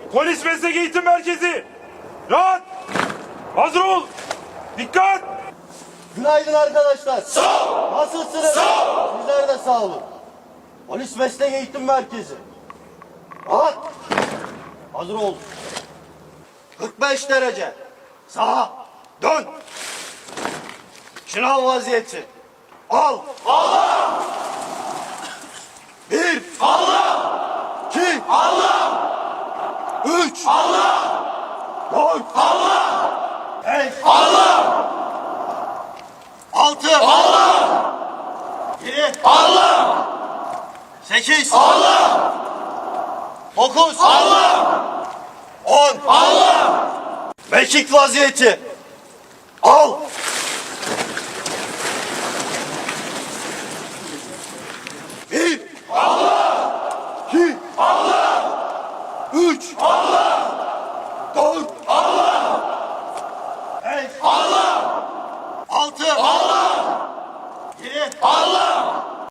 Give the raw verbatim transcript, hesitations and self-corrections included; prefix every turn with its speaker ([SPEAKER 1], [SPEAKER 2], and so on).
[SPEAKER 1] Polis Meslek Eğitim Merkezi. Rahat. Hazır ol. Dikkat.
[SPEAKER 2] Günaydın arkadaşlar.
[SPEAKER 1] Sağ ol.
[SPEAKER 2] Nasılsınız?
[SPEAKER 1] Sağ ol.
[SPEAKER 2] Sizler de sağ olun. Polis Meslek Eğitim Merkezi. Rahat. Hazır ol. kırk beş derece. Sağa. Dön. Şınav vaziyeti. Al.
[SPEAKER 1] Allah.
[SPEAKER 2] Bir.
[SPEAKER 1] Allah.
[SPEAKER 2] İki.
[SPEAKER 1] Allah.
[SPEAKER 2] Üç.
[SPEAKER 1] Allah.
[SPEAKER 2] Dört.
[SPEAKER 1] Allah.
[SPEAKER 2] Beş.
[SPEAKER 1] Allah.
[SPEAKER 2] Altı.
[SPEAKER 1] Allah.
[SPEAKER 2] Yedi.
[SPEAKER 1] Allah.
[SPEAKER 2] Sekiz.
[SPEAKER 1] Allah.
[SPEAKER 2] Dokuz.
[SPEAKER 1] Allah.
[SPEAKER 2] On.
[SPEAKER 1] Allah.
[SPEAKER 2] Mekik vaziyeti. Al. Bir.
[SPEAKER 1] Allah.
[SPEAKER 2] İki.
[SPEAKER 1] Allah.
[SPEAKER 2] Üç.
[SPEAKER 1] Allah.
[SPEAKER 2] Dört.
[SPEAKER 1] Allah.
[SPEAKER 2] Beş.
[SPEAKER 1] Allah.
[SPEAKER 2] Altı.
[SPEAKER 1] Allah.
[SPEAKER 2] Yedi.
[SPEAKER 1] Allah.